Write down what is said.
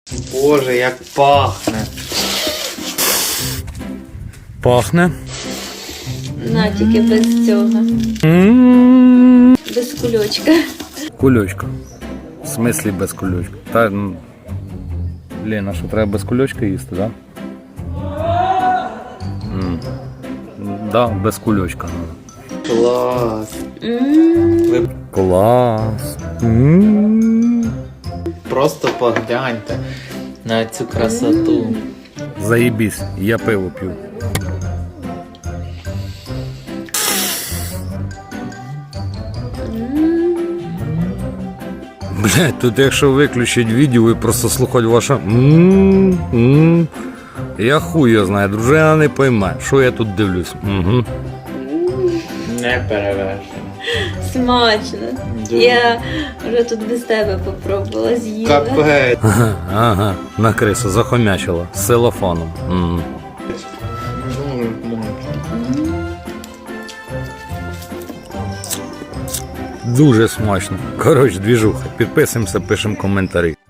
Боже, як пахне. Пахне. На, тільки без цього. Без кульочка. Кульочка. В смислі без кульочка? Та, ну, Лена, що треба без кульочка їсти, так? Да, без кульочка. Клас. Ви Клас. просто погляньте на цю красоту. Заєбісь, я пиво п'ю. Блядь, тут якщо виключить відео і просто слухати ваше я хуй його знаю, дружина не пойме, що я тут дивлюсь. Угу. Не перевершено. Смачно. Дуже. Я вже тут без тебе попробувала, з'їла. Капець. Ага, на крису захомячила з селофоном. Дуже смачно. Дуже смачно. Коротше, двіжуха. Підписуємося, пишемо коментарі.